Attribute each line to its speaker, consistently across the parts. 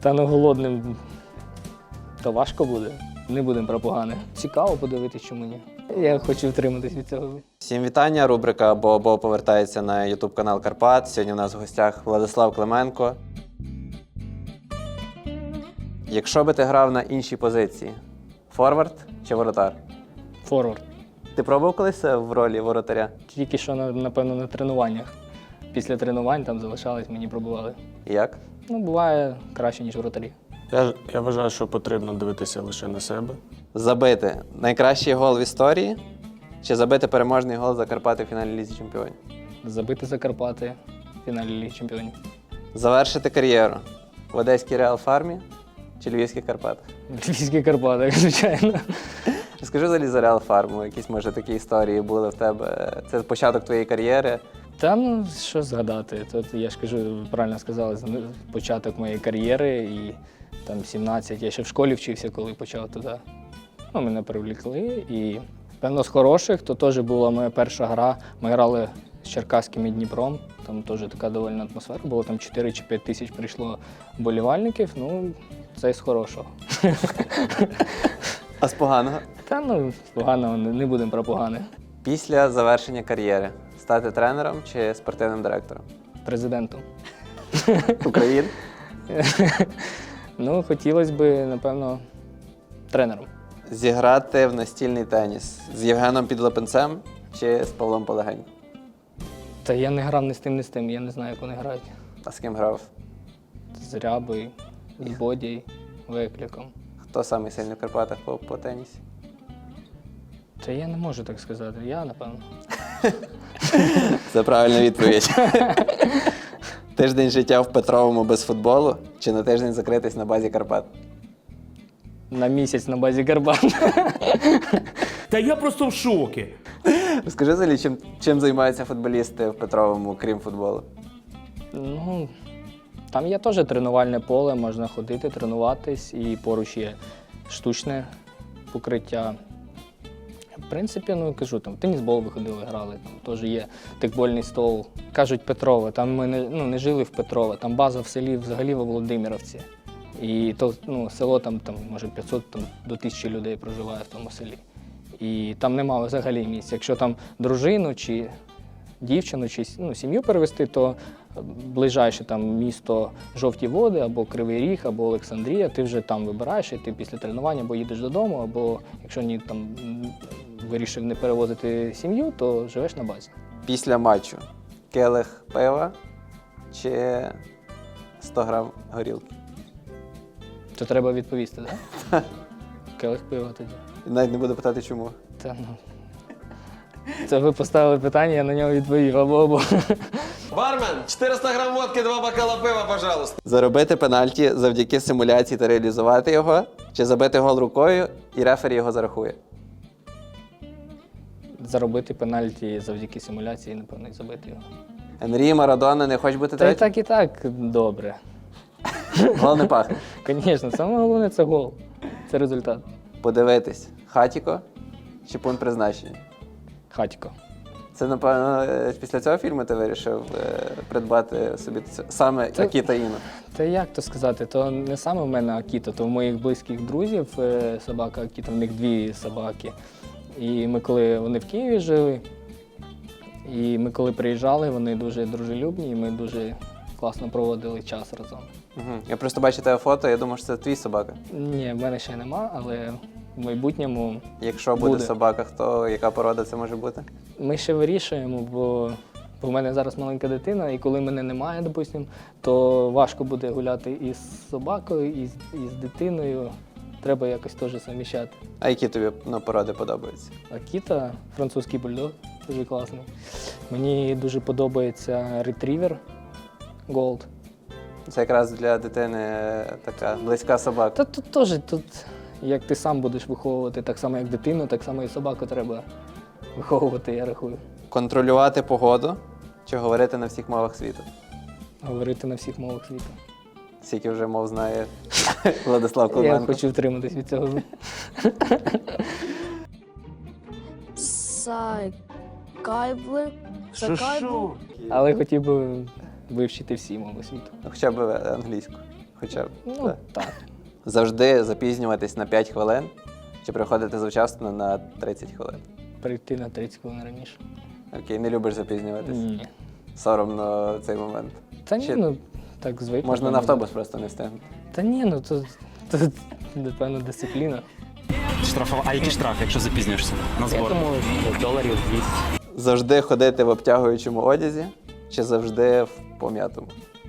Speaker 1: Та ну голодним то важко буде. Не будемо про погане. Цікаво подивитись, чому ні. Я хочу втриматись від цього.
Speaker 2: Всім вітання, рубрика «Бо повертається на YouTube-канал Карпат. Сьогодні у нас в гостях Владислав Клименко. Якщо би ти грав на іншій позиції, форвард чи воротар?
Speaker 1: Форвард.
Speaker 2: Ти пробував колись в ролі воротаря?
Speaker 1: Тільки що, напевно, на тренуваннях. Після тренувань там залишались, мені пробували.
Speaker 2: І як?
Speaker 1: Ну, буває краще, ніж вратарі.
Speaker 3: Я вважаю, що потрібно дивитися лише на себе.
Speaker 2: Забити найкращий гол в історії чи забити переможний гол за Карпати в фіналі Лізі Чемпіонів?
Speaker 1: Забити за Карпати в фіналі Ліги Чемпіонів.
Speaker 2: Завершити кар'єру в Одеській Реал Фармі чи Львівських Карпатах?
Speaker 1: Львівські Карпати, звичайно.
Speaker 2: Розкажи взагалі за Реал Фарму, якісь, може, такі історії були в тебе. Це початок твоєї кар'єри.
Speaker 1: Та ну, що згадати. Тут, я ж кажу, правильно сказали, початок моєї кар'єри і там 17. Я ще в школі вчився, коли почав туди. Ну, мене привлекли. І, певно, з хороших, то теж була моя перша гра. Ми грали з Черкаським і Дніпром. Там теж така довольна атмосфера. Було там 4 чи 5 тисяч прийшло болівальників. Ну, це з хорошого.
Speaker 2: А з поганого?
Speaker 1: Та ну, з поганого не будемо про погане.
Speaker 2: Після завершення кар'єри стати тренером чи спортивним директором?
Speaker 1: Президентом.
Speaker 2: України?
Speaker 1: Ну, хотілося б, напевно, тренером.
Speaker 2: Зіграти в настільний теніс з Євгеном Підлапенцем чи з Павлом Полегеньком?
Speaker 1: Та я не грав ні з тим, ні з тим. Я не знаю, як вони грають.
Speaker 2: А з ким грав?
Speaker 1: З Рябою, з Бодією, Викликом.
Speaker 2: Хто самий сильний в Карпатах по тенісі?
Speaker 1: Та я не можу так сказати. Я, напевно.
Speaker 2: Це правильна відповідь. Тиждень життя в Петровому без футболу чи на тиждень закритись на базі Карпат?
Speaker 1: На місяць на базі Карпат.
Speaker 4: Та я просто в шокі.
Speaker 2: Розкажи взагалі, чим займаються футболісти в Петровому, крім футболу?
Speaker 1: Ну, там є теж тренувальне поле, можна ходити, тренуватись, і поруч є штучне покриття. В принципі, ну, кажу, там, в тенісбол виходили, грали, там теж є тикбольний стол. Кажуть Петрове, там ми не жили в Петрове, там база в селі взагалі во Володимировці. І то, ну, село там, може 500 до 1000 людей проживає в тому селі. І там немає взагалі місця. Якщо там дружину чи дівчину, чи сім'ю перевезти, то ближайше там місто Жовті Води, або Кривий Ріг, або Олександрія, ти вже там вибираєш, і ти після тренування або їдеш додому, або якщо ні, там вирішив не перевозити сім'ю, то живеш на базі.
Speaker 2: Після матчу келих пива чи 100 грам горілки?
Speaker 1: То треба відповісти, так? Келих пива тоді.
Speaker 2: Навіть не буду питати, чому.
Speaker 1: Та, ну. Це ви поставили питання, я на нього відповів. Або.
Speaker 5: Бармен, 400 грам водки, 2 бокала пива, пожалуйста.
Speaker 2: Заробити пенальті завдяки симуляції та реалізувати його, чи забити гол рукою і рефері його зарахує?
Speaker 1: Заробити пенальті завдяки симуляції, напевно, і забити його.
Speaker 2: Енрі, Марадона, не хочеш бути
Speaker 1: Та
Speaker 2: третім?
Speaker 1: і так добре.
Speaker 2: Гол не пахне.
Speaker 1: Звісно, саме головне це гол. Це результат.
Speaker 2: Подивитись, хатіко чи пункт призначення?
Speaker 1: Хатько.
Speaker 2: Це, напевно, після цього фільму ти вирішив придбати собі саме
Speaker 1: Це-
Speaker 2: Акіта Іно.
Speaker 1: Та як то сказати, то не саме в мене Акіто, то в моїх близьких друзів собака Акіто, в них 2 собаки. І ми коли вони в Києві жили, і ми коли приїжджали, вони дуже дружелюбні, і ми дуже класно проводили час разом.
Speaker 2: Угу. Я просто бачу тебе фото, я думав, що це твій собака.
Speaker 1: Ні, в мене ще нема, але в майбутньому
Speaker 2: Якщо буде собака, то яка порода це може бути?
Speaker 1: ми ще вирішуємо, бо в мене зараз маленька дитина, і коли мене немає, допустим, то важко буде гуляти із собакою, і з дитиною. Треба якось теж заміщати.
Speaker 2: А які тобі породи подобаються?
Speaker 1: Акіта, французький бульдог, дуже класний. Мені дуже подобається ретрівер Gold.
Speaker 2: Це якраз для дитини така близька собака.
Speaker 1: Та тут теж, як ти сам будеш виховувати, так само як дитину, так само і собаку треба виховувати, я рахую.
Speaker 2: Контролювати погоду чи говорити на всіх мовах світу?
Speaker 1: Говорити на всіх мовах світу.
Speaker 2: Скільки вже мов знає Владислав
Speaker 1: Я
Speaker 2: Клименко.
Speaker 1: хочу втриматись від цього.
Speaker 6: Сайкайбли.
Speaker 4: Що?
Speaker 1: Але хотів би вивчити всі мови світу.
Speaker 2: Хоча б англійську. Хоча б.
Speaker 1: Ну,
Speaker 2: так.
Speaker 1: так.
Speaker 2: Завжди запізнюватись на 5 хвилин чи приходити завчасно на 30 хвилин?
Speaker 1: Прийти на 30 хвилин раніше.
Speaker 2: Окей, не любиш запізнюватись?
Speaker 1: Ні.
Speaker 2: Соромно цей момент.
Speaker 1: Та ні,
Speaker 2: Чи
Speaker 1: ну так звикли.
Speaker 2: можна на автобус просто не встигнути.
Speaker 1: Та ні, ну то напевно дисципліна.
Speaker 7: А який штраф, якщо запізнюєшся на
Speaker 1: Я
Speaker 7: збор?
Speaker 1: думаю, доларів 200.
Speaker 2: Завжди ходити в обтягуючому одязі чи завжди в пом'ятому?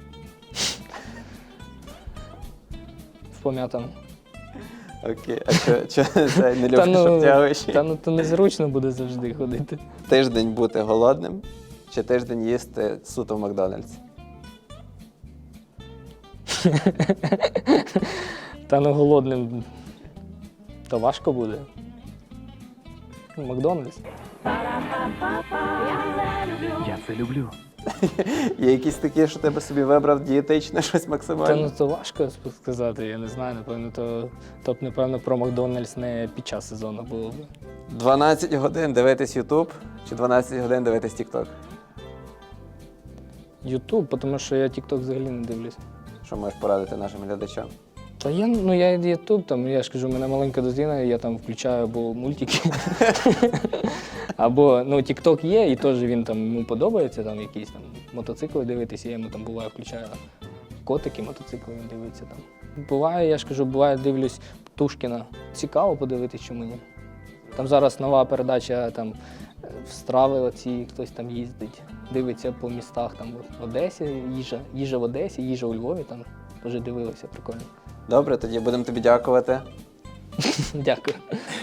Speaker 1: В пом'ятому.
Speaker 2: Окей, а що це не любиш обтягуючий?
Speaker 1: та ну то незручно буде завжди ходити.
Speaker 2: Тиждень бути голодним чи тиждень їсти суто в Макдональдсі?
Speaker 1: Та ну голодним то важко буде. Ну, Макдональдс.
Speaker 7: Я це люблю.
Speaker 2: Є якісь такі, що тебе собі вибрав дієтичне щось
Speaker 1: Та
Speaker 2: максимально?
Speaker 1: ну то важко сказати, я не знаю, напевно, то б, напевно, про Макдональдс не під час сезону було б.
Speaker 2: 12 годин дивитись YouTube чи 12 годин дивитись TikTok?
Speaker 1: Ютуб, тому що я TikTok взагалі не дивлюсь.
Speaker 2: Що можеш порадити нашим глядачам?
Speaker 1: Та я Ютуб, там, я ж кажу, у мене маленька дитина, я там включаю або мультики, або TikTok є, і теж він там йому подобається, там якісь там мотоцикли дивитися, я йому там буває включаю котики, мотоцикли він дивиться там. Буває, я ж кажу, буває, дивлюсь Птушкіна. Цікаво подивитись, чому ні. Там зараз нова передача там в страви оці, хтось там їздить, дивиться по містах, там в Одесі, їжа в Одесі, їжа у Львові, там теж дивилися, прикольно.
Speaker 2: Добре, тоді будемо тобі дякувати.
Speaker 1: Дякую.